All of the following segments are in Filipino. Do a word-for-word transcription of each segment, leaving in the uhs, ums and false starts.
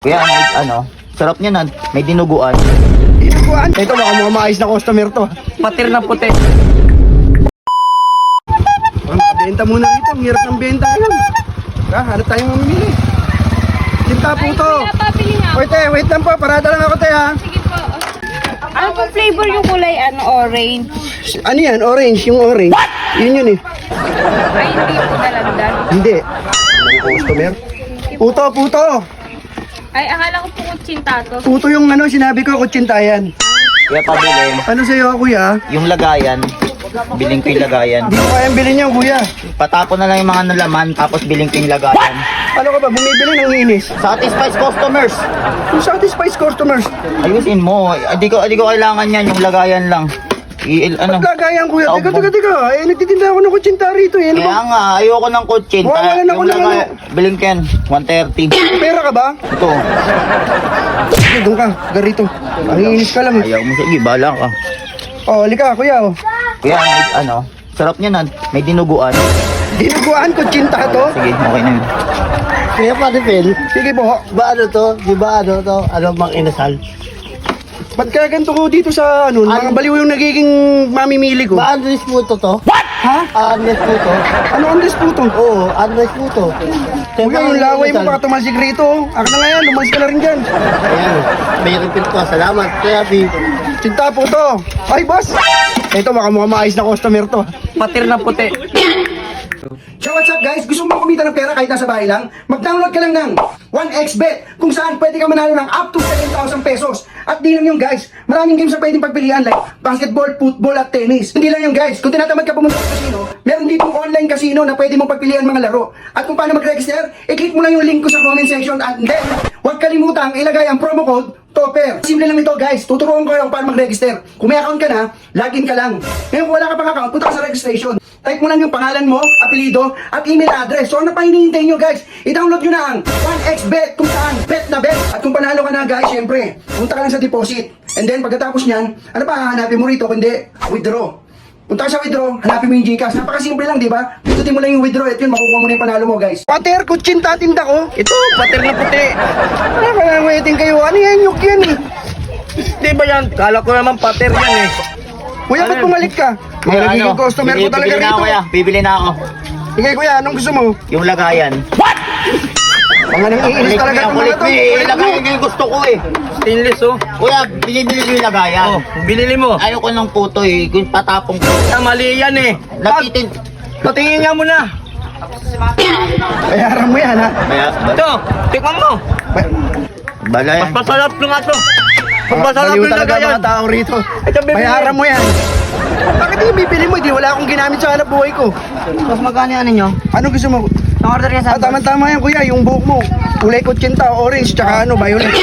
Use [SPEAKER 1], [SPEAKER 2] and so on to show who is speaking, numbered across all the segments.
[SPEAKER 1] Kaya may, ano, sarap niya na, may dinuguan.
[SPEAKER 2] Dinuguan? Ito baka mga maayos na customer to.
[SPEAKER 3] Patir na puti.
[SPEAKER 2] Benta muna rito, ang hirap ng benta ngayon. Ha, hanap tayong mamimili. Sinta po to.
[SPEAKER 4] Ay, papili nga.
[SPEAKER 2] Wait eh, wait lang po, parada lang ako tayo ha.
[SPEAKER 4] Sige po. Ano po flavor yung kulay? Ano, orange?
[SPEAKER 2] Ano yan, orange, yung orange. Yun yun eh.
[SPEAKER 4] Ay, hindi po dalandan.
[SPEAKER 2] Hindi. Customer. Puto, puto.
[SPEAKER 4] Ay, akala ko po kutsinta to.
[SPEAKER 2] Puto yung ano, sinabi ko, kutsintayan.
[SPEAKER 1] Kaya pabili,
[SPEAKER 2] Ano sa'yo, kuya?
[SPEAKER 1] yung lagayan, biling ko yung lagayan.
[SPEAKER 2] Hindi ko kayang bilhin yan, kuya.
[SPEAKER 1] Patapon na lang yung mga nalaman, tapos biling ko yung lagayan.
[SPEAKER 2] Ano ka ba, bumibili ng inis?
[SPEAKER 1] Satisfies customers.
[SPEAKER 2] Yung satisfies customers.
[SPEAKER 1] Ayusin mo, hindi ko, hindi ko kailangan yan, yung lagayan lang. I, ano,
[SPEAKER 2] Pagkagayan, kuya.
[SPEAKER 1] Tao
[SPEAKER 2] Teka,
[SPEAKER 1] mo.
[SPEAKER 2] teka, teka. Eh, nagtitinda ako ng kutsinta rito. Eh, ano ba?
[SPEAKER 1] kaya nga, ayoko ng kutsin.
[SPEAKER 2] Mawawalan ako
[SPEAKER 1] Yung
[SPEAKER 2] ng
[SPEAKER 1] lagayan, biling ko yan, one thirty.
[SPEAKER 2] Pera ka ba?
[SPEAKER 1] Ito,
[SPEAKER 2] Sige, doon ka. Garito. Ang inis ka lang eh.
[SPEAKER 1] ayaw mo, sige, bahala ka.
[SPEAKER 2] Oh, halika, kuya. Oh.
[SPEAKER 1] Kaya may, ano, sarap niya na, may dinuguan.
[SPEAKER 2] Dinuguan, kutsinta to.
[SPEAKER 1] Sige, okay na yun.
[SPEAKER 5] Kaya Pati Phil,
[SPEAKER 2] Sige po.
[SPEAKER 5] ba ano to? Di ba ano to? Ano mang inasal?
[SPEAKER 2] Ba't kaya ganito ko dito sa ano, mga
[SPEAKER 5] Ano?
[SPEAKER 2] baliw yung nagiging mamimili ko?
[SPEAKER 5] Ba Andres Puto to?
[SPEAKER 2] Ha?
[SPEAKER 5] Ah, Andres Puto?
[SPEAKER 2] Ano ang disputo?
[SPEAKER 5] Oo, Andres Puto.
[SPEAKER 2] Kuya, yung laway mo baka tumalsik rito. Oh. Ako na nga yan, lumalis ka na rin dyan.
[SPEAKER 5] Ayan, may repeat ko. Salamat. Kaya P.
[SPEAKER 2] Sinta po to. Ay, boss! Ito, baka mukhang maayos na customer to.
[SPEAKER 3] Patir na puti.
[SPEAKER 2] So what's up guys? Gusto mo kumita ng pera kahit nasa bahay lang? Mag-download ka lang ng one x bet kung saan pwede ka manalo ng up to seven thousand pesos. At di lang yung guys, maraming games na pwedeng pagpilian like basketball, football at tennis. Hindi lang yung guys, kung tinatamad ka pumunta sa casino, meron ditong online casino na pwede mong pagpilian mga laro. At kung paano mag-register, i-click mo lang yung link ko sa comment section at then, huwag kalimutang ilagay ang promo code Topper. Simple lang ito guys, tuturuan ko lang paano mag-register. Kung may account ka na, login ka lang. Ngayon kung wala ka pang account, punta ka sa registration. Type mo lang yung pangalan mo, apelido, at email address. So ano pa hinihintay nyo guys? I-download nyo na ang one x bet kung saan bet na bet. At kung panalo ka na guys, syempre, punta ka lang sa deposit. And then pagkatapos nyan, ano pa hahanapin mo rito kundi withdraw. Punta ka sa withdraw, hanapin mo yung Gcash. Napakasimple lang, di ba? Pindutin mo lang yung withdraw at yun, makukuha mo na yung panalo mo guys. Pater, kutsinta tinda ko.
[SPEAKER 3] Ito, patir na puti.
[SPEAKER 2] Ano ka lang waiting kayo? Ano yan? Yuk yan eh.
[SPEAKER 3] Di ba yan? Kala ko naman patir yan eh.
[SPEAKER 2] Kuya, ba't bumalik ka? Mga nagiging customer ko
[SPEAKER 1] bibili,
[SPEAKER 2] talaga
[SPEAKER 1] bibili na ako,
[SPEAKER 2] rito.
[SPEAKER 1] kuya. Bibili na ako.
[SPEAKER 2] Sige kuya, anong gusto mo?
[SPEAKER 1] Yung lagayan.
[SPEAKER 2] Mga nang iinis
[SPEAKER 1] Kulit
[SPEAKER 2] talaga
[SPEAKER 1] mo,
[SPEAKER 2] itong mga
[SPEAKER 1] kulit
[SPEAKER 2] to.
[SPEAKER 1] mo eh. Lagayan yung gusto ko eh.
[SPEAKER 3] Stainless oh.
[SPEAKER 1] Kuya, binibili ko yung lagayan.
[SPEAKER 3] Oh, binili mo.
[SPEAKER 1] Ayoko ng puto eh. Kung patapong ko.
[SPEAKER 3] Ah, mali yan eh.
[SPEAKER 1] Nakitin.
[SPEAKER 3] Patingin nga muna.
[SPEAKER 2] Bayaran mo yan ha.
[SPEAKER 1] Kaya,
[SPEAKER 3] Ito, tikman mo.
[SPEAKER 2] Ba-
[SPEAKER 1] bala yan.
[SPEAKER 3] Masarap na nga to. Masarap
[SPEAKER 2] Baliw
[SPEAKER 3] yung
[SPEAKER 2] talaga
[SPEAKER 3] lagayan.
[SPEAKER 2] mga tao rito.
[SPEAKER 3] Ito, bibili.
[SPEAKER 2] Bayaran mo yan. Bakit yung bibili mo? Di wala akong ginamit sa hanap buhay ko.
[SPEAKER 3] Mas magkano yan ninyo?
[SPEAKER 2] Ano gusto mo?
[SPEAKER 3] Ang order niya
[SPEAKER 2] Ah, tama-tama yan kuya, yung buhok mo. Kulay kutsinta, orange, tsaka ano, violet.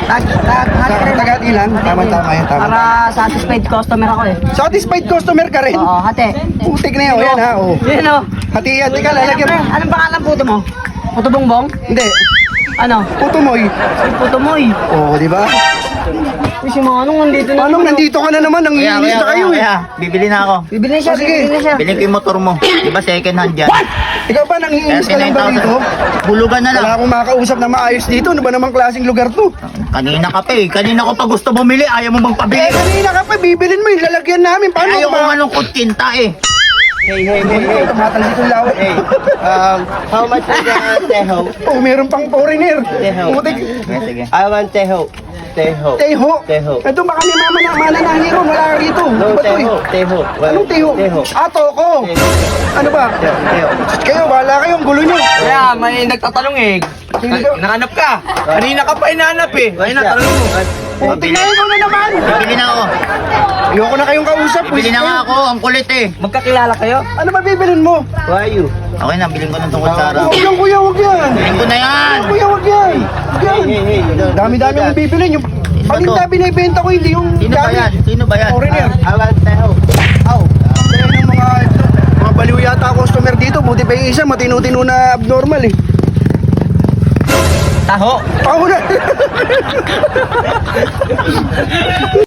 [SPEAKER 2] Sa tagati lang, tama-tama yan, tama.
[SPEAKER 6] Para satisfied customer ako eh.
[SPEAKER 2] Satisfied customer ka rin?
[SPEAKER 6] Oo, hati.
[SPEAKER 2] Putik na yan, o yan ha, o.
[SPEAKER 6] Yun o.
[SPEAKER 2] Hati yan, teka, lalagyan mo.
[SPEAKER 6] Anong pangalan puto mo? Puto bongbong?
[SPEAKER 2] Hindi,
[SPEAKER 6] Ano?
[SPEAKER 2] puto mo eh.
[SPEAKER 6] Puto moy.
[SPEAKER 2] Oo, di ba?
[SPEAKER 6] Uy, si Manong nandito na.
[SPEAKER 2] Anong nandito ka na naman, nang
[SPEAKER 1] Kuya,
[SPEAKER 2] iinis
[SPEAKER 1] kuya,
[SPEAKER 2] na kayo
[SPEAKER 1] kuya,
[SPEAKER 2] eh.
[SPEAKER 1] kuya. Bibili na ako.
[SPEAKER 6] Bibili na siya,
[SPEAKER 2] Oh, sige.
[SPEAKER 6] bibili na siya.
[SPEAKER 1] Bilhin ko yung motor mo. Di ba second hand yan?
[SPEAKER 2] Ikaw ba, nang iinis ka lang ba rito?
[SPEAKER 1] Bulugan na lang.
[SPEAKER 2] Wala akong makakausap na maayos dito. Ano ba namang klaseng lugar to?
[SPEAKER 1] Kanina ka pa eh. Kanina ko pa gusto bumili. Ayaw mo bang
[SPEAKER 2] Eh,
[SPEAKER 1] pabili?
[SPEAKER 2] kanina ka pa, bibilin mo yung lalagyan namin.
[SPEAKER 1] Eh,
[SPEAKER 2] Paano
[SPEAKER 1] ayaw ko
[SPEAKER 2] ba?
[SPEAKER 1] malungkot kinta eh.
[SPEAKER 5] Hey, hey, hey, hey.
[SPEAKER 2] Tumatal dito yung laway.
[SPEAKER 5] Hey, um, how much is the teho?
[SPEAKER 2] Oh, meron pang foreigner.
[SPEAKER 5] Teho.
[SPEAKER 2] Putik.
[SPEAKER 1] Okay, sige.
[SPEAKER 5] I want teho. Teho.
[SPEAKER 2] Teho.
[SPEAKER 5] Teho.
[SPEAKER 2] Ito baka may mama na mana na hero. Wala ka rito.
[SPEAKER 5] No,
[SPEAKER 2] Ano ba to
[SPEAKER 5] teho.
[SPEAKER 2] eh?
[SPEAKER 5] Teho.
[SPEAKER 2] Anong teho?
[SPEAKER 5] Teho.
[SPEAKER 2] Ah, toko.
[SPEAKER 5] Teho.
[SPEAKER 2] Ano ba?
[SPEAKER 5] Teho. Teho.
[SPEAKER 2] Kayo, bahala kayo. Ang gulo nyo.
[SPEAKER 3] Kaya may nagtatanong eh.
[SPEAKER 2] Sino ba?
[SPEAKER 3] Nakanap ka. Kanina ka pa inaanap eh. Ayun na, tanong mo.
[SPEAKER 2] Putik na ikaw na naman.
[SPEAKER 1] Bibili na ako.
[SPEAKER 2] Ayoko na kayong kausap.
[SPEAKER 1] Bibili na nga ako. Ang kulit eh.
[SPEAKER 3] Magkakilala kayo?
[SPEAKER 2] Ano ba bibilin mo?
[SPEAKER 5] Why you?
[SPEAKER 1] Okay na, bilhin ko ng tungkol sa araw.
[SPEAKER 2] Huwag yan, kuya. Huwag yan.
[SPEAKER 1] Bilhin ko na yan.
[SPEAKER 2] Kuya, huwag yan. Huwag yan.
[SPEAKER 5] Hey, hey, hey.
[SPEAKER 2] Dami-dami yung bibilin. Yung paninda binibenta ko, hindi yung
[SPEAKER 1] Sino ba yan? Sino ba yan?
[SPEAKER 2] Foreigner.
[SPEAKER 5] I want teho.
[SPEAKER 2] Aw. Kaya ng mga mga baliw yata customer dito, buti pa yung isa matino-tino na abnormal eh.
[SPEAKER 3] Taho.
[SPEAKER 2] Ako na.